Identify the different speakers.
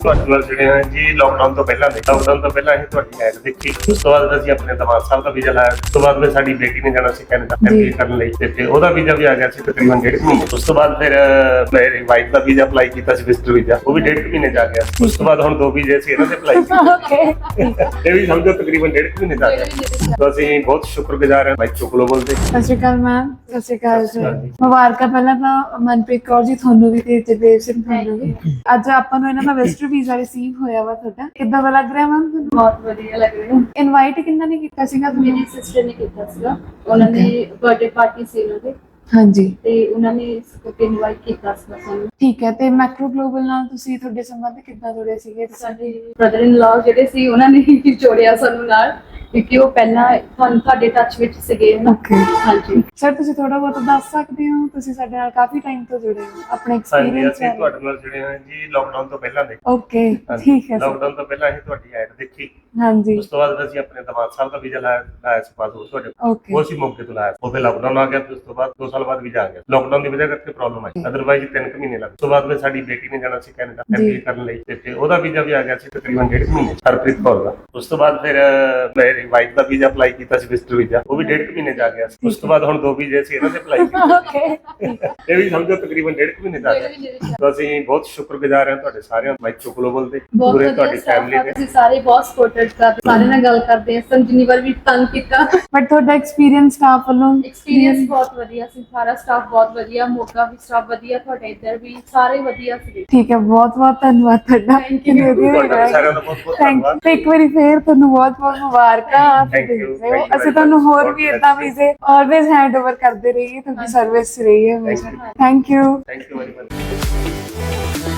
Speaker 1: ਤੁਹਾਡੇ ਨਾਲ ਜਿਹੜੇ ਆ ਜੀ ਲਾਕਡਾਊਨ ਤੋਂ ਪਹਿਲਾਂ ਦੇ ਲਾਕਡਾਊਨ ਤੋਂ ਪਹਿਲਾਂ ਅਸੀਂ ਤੁਹਾਡੀ ਐਡ ਦੇਖੀ। ਉਸ ਤੋਂ ਬਾਅਦ ਅਸੀਂ ਆਪਣੇ ਦਮਾਦ ਸਾਹਿਬ ਦਾ ਵੀਜ਼ਾ ਲਾਇਆ। ਉਸ ਤੋਂ ਬਾਅਦ ਫਿਰ ਸਾਡੀ ਬੇਟੀ ਨੇ ਜਾਣਾ ਸੀ ਕੈਨੇਡਾ MBA ਕਰਨ ਲਈ ਤੇ ਫਿਰ ਉਹਦਾ ਵੀਜ਼ਾ ਵੀ ਆ ਗਿਆ ਸੀ ਤਕਰੀਬਨ 1.5 ਮਹੀਨੇ। ਉਸ ਤੋਂ ਬਾਅਦ ਫਿਰ ਮੇਰੀ ਵਾਈਫ ਦਾ ਵੀਜ਼ਾ ਅਪਲਾਈ ਕੀਤਾ ਸੀ ਵਿਜ਼ਟਰ ਵੀਜ਼ਾ, ਉਹ ਵੀ 1.5 ਮਹੀਨੇ ਜਾ ਗਿਆ। ਉਸ ਤੋਂ ਬਾਅਦ ਹੁਣ 2 ਵੀਜ਼ੇ ਸੀ ਇਹਨਾਂ ਦੇ ਅਪਲਾਈ ਕੀਤੇ, ਇਹ ਵੀ ਸਮਝੋ ਤਕਰੀਬਨ 1.5 ਮਹੀਨੇ ਜਾ ਗਿਆ। ਤਾਂ ਅਸੀਂ ਬਹੁਤ ਸ਼ੁਕਰਗੁਜ਼ਾਰ ਹਾਂ ਬਾਈਕ ਚੋਕਲੋ ਬੋਲਦੇ।
Speaker 2: ਸਤਿ ਸ਼੍ਰੀ ਅਕਾਲ ਮੈਮ। ਸਤਿ ਸ਼੍ਰੀ ਅਕਾਲ ਜੀ। ਮੁਬਾਰਕਾਂ ਪਹਿਲਾਂ ਤਾਂ ਮਨਪ੍ਰੀਤ ਕੌਰ ਜੀ ਤੁਹਾਨੂੰ ਵੀ ਤੇ ਜਗਦੇਵ ਸਿੰਘ ਤੁਹਾਨੂੰ ਵੀ। ਅੱਜ ਆਪਾਂ ਨੂੰ ਇਹਨਾਂ ਦਾ ਵਿਜ਼ਟਰ ਵੀਜ਼ਾ ਰਿਸੀਵ ਹੋਇਆ ਵਾ। ਤੁਹਾਡਾ ਕਿੱਦਾਂ ਦਾ ਲੱਗ ਰਿਹਾ ਮੈਮ ਤੁਹਾਨੂੰ?
Speaker 3: ਬਹੁਤ ਵਧੀਆ ਲੱਗ ਰਿਹਾ।
Speaker 2: ਇਨਵਾਈਟ ਕਿੰਨਾ ਨੇ ਕੀਤਾ ਸੀਗਾ?
Speaker 3: ਮੇਰੀ ਸਿਸਟਰ ਨੇ ਕੀਤਾ ਸੀਗਾ, ਉਹਨਾਂ ਦੀ ਬਰਥਡੇ ਪਾਰਟੀ ਸੀ ਉਹਨਾਂ ਦੀ
Speaker 2: ਹਾਂਜੀ,
Speaker 3: ਤੇ ਉਹਨਾਂ ਨੇ ਇਨਵਾਈਟ ਕੀਤਾ ਸੀ ਸਾਨੂੰ।
Speaker 2: ਠੀਕ ਹੈ। ਤੇ ਮੈਕਰੋ ਗਲੋਬਲ ਨਾਲ ਤੁਸੀਂ ਤੁਹਾਡੇ ਸੰਬੰਧ ਕਿੱਦਾਂ ਜੁੜੇ ਸੀਗੇ?
Speaker 3: ਸਾਡੇ ਬ੍ਰਦਰ ਇਨ ਲਾ ਜਿਹੜੇ ਸੀ ਉਹਨਾਂ ਨੇ ਹੀ ਜੋੜਿਆ ਸਾਨੂੰ ਨਾਲ, ਕਿਉਂਕਿ ਉਹ ਪਹਿਲਾਂ ਤੁਹਾਡੇ ਟੱਚ ਵਿੱਚ ਸੀਗੇ ਨਾ। ਹਾਂਜੀ
Speaker 2: ਸਰ, ਤੁਸੀਂ ਥੋੜਾ ਬਹੁਤ ਦੱਸ ਸਕਦੇ ਹੋ? ਤੁਸੀਂ ਸਾਡੇ ਨਾਲ ਕਾਫੀ ਟਾਈਮ ਤੋਂ ਜੁੜੇ ਹੋ, ਆਪਣੇ ਐਕਸਪੀਰੀਅੰਸ
Speaker 1: ਅਸੀਂ ਤੁਹਾਡੇ ਨਾਲ ਜਿਹੜੇ ਆ ਜੀ ਲਾਕਡਾਊਨ ਤੋਂ ਪਹਿਲਾਂ ਦੇ।
Speaker 2: ਓਕੇ, ਠੀਕ ਹੈ ਸਰ।
Speaker 1: ਲਾਕਡਾਊਨ ਤੋਂ ਪਹਿਲਾਂ ਅਸੀਂ ਤੁਹਾਡੀ ਐਡ ਦੇਖੀ।
Speaker 2: ਹਾਂਜੀ।
Speaker 1: ਉਸ ਤੋਂ ਬਾਅਦ ਅਸੀਂ ਆਪਣੇ ਦਮਾਦ ਸਾਹਿਬ ਦਾ ਵੀਜ਼ਾ ਲਾਇਆ ਸੀ ਪਾਸਪੋਰਟ ਤੁਹਾਡੇ,
Speaker 2: ਓਕੇ,
Speaker 1: ਉਹ ਅਸੀਂ ਮੌਕੇ ਤੋਂ ਲਾਇਆ। ਉਹ ਫਿਰ ਲਾਕਡਾਊਨ ਆ ਗਿਆ ਤੇ ਉਸ ਤੋਂ ਬਾਅਦ 2 ਸਾਲ ਬਾਅਦ ਵੀਜ਼ਾ ਆ ਗਿਆ। ਲਾਕਡਾਊਨ ਦੀ ਵਜ੍ਹਾ ਕਰਕੇ ਪ੍ਰੋਬਲਮ ਆਈ, ਅਦਰਵਾਈਜ਼ 3 ਮਹੀਨੇ ਲੱਗ। ਉਸ ਤੋਂ ਬਾਅਦ ਫਿਰ ਸਾਡੀ ਬੇਟੀ ਨੇ ਜਾਣਾ ਸੀ ਕੈਨੇਡਾ MBA ਕਰਨ ਲਈ ਤੇ ਫਿਰ ਉਹਦਾ ਵੀਜ਼ਾ ਵੀ ਆ ਗਿਆ ਸੀ ਤਕਰੀਬਨ 1.5 ਮਹੀਨੇ, ਹਰਪ੍ਰੀਤ ਕੌਰ ਦਾ। ਉਸ ਤੋਂ ਬਾਅਦ ਫਿਰ ਮੇਰੀ ਵਾਈਫ ਦਾ ਵੀਜ਼ਾ ਅਪਲਾਈ ਕੀਤਾ ਸੀ ਵਿਜ਼ਟਰ ਵੀਜ਼ਾ, ਉਹ ਵੀ 1.5 ਮਹੀਨੇ ਜਾ ਗਿਆ। ਉਸ ਤੋਂ ਬਾਅਦ ਹੁਣ 2 ਵੀਜ਼ੇ ਸੀ ਇਹਨਾਂ ਦੇ ਅਪਲਾਈ ਕੀਤੇ,
Speaker 2: ਓਕੇ,
Speaker 1: ਇਹ ਵੀ ਸਮਝੋ ਤਕਰੀਬਨ 1.5 ਮਹੀਨੇ ਜਾ ਗਿਆ। ਤਾਂ ਅਸੀਂ ਬਹੁਤ ਸ਼ੁਕਰਗੁਜ਼ਾਰ ਹਾਂ ਤੁਹਾਡੇ ਸਾਰਿਆਂ ਬਾਈਕ ਚੋਕਲੋ ਬੋਲਦੇ, ਪੂਰੇ ਤੁਹਾਡੀ ਫੈਮਿਲੀ ਦੇ।
Speaker 3: ਅਸੀਂ ਸਾਰੇ ਬਹੁਤ ਸਪੋਰਟਡ ਕਰਦੇ, ਸਾਰੇ ਨਾਲ ਗੱਲ ਕਰਦੇ ਆ। ਸੰਜਨੀ ਵਾਰ ਵੀ ਤੰਗ ਕੀਤਾ,
Speaker 2: ਬਟ ਤੁਹਾਡਾ ਐਕਸਪੀਰੀਅੰਸ ਸਟਾਫ ਵੱਲੋਂ?
Speaker 3: ਐਕਸਪੀਰੀਅੰਸ ਬਹੁਤ ਵਧੀਆ ਸੀ, ਸਾਰਾ ਸਟਾਫ ਬਹੁਤ ਵਧੀਆ, ਮੋਗਾ ਵੀ ਸਟਾਫ ਵਧੀਆ, ਤੁਹਾਡੇ ਇੱਧਰ ਵੀ ਸਾਰੇ ਵਧੀਆ ਸੀ।
Speaker 2: ਠੀਕ ਹੈ, ਬਹੁਤ ਬਹੁਤ ਧੰਨਵਾਦ ਤੁਹਾਡਾ।
Speaker 3: Thank you।
Speaker 1: ਤੁਹਾਡਾ ਸਾਰਿਆਂ ਦਾ ਬਹੁਤ ਬਹੁਤ ਧੰਨਵਾਦ।
Speaker 2: ਤੇ ਇੱਕ ਵਾਰੀ ਫੇਰ ਤੁਹਾਨੂੰ ਬਹੁਤ ਬਹੁਤ ਮੁਬਾਰਕਾਂ।
Speaker 1: Thank you, thank you
Speaker 2: ਅਸੀਂ
Speaker 1: very
Speaker 2: ਤੁਹਾਨੂੰ
Speaker 1: much।
Speaker 2: ਹੋਰ ਵੀ ਇਦਾਂ ਵੀਜ਼ੇ ਆਲਵੇਜ਼ ਹੈਂਡ ਓਵਰ ਕਰਦੇ ਰਹੀਏ, ਤੁਹਾਡੀ ਸਰਵਿਸ ਰਹੀਏ ਹਮੇਸ਼ਾ। Thank you.
Speaker 1: Thank you very much.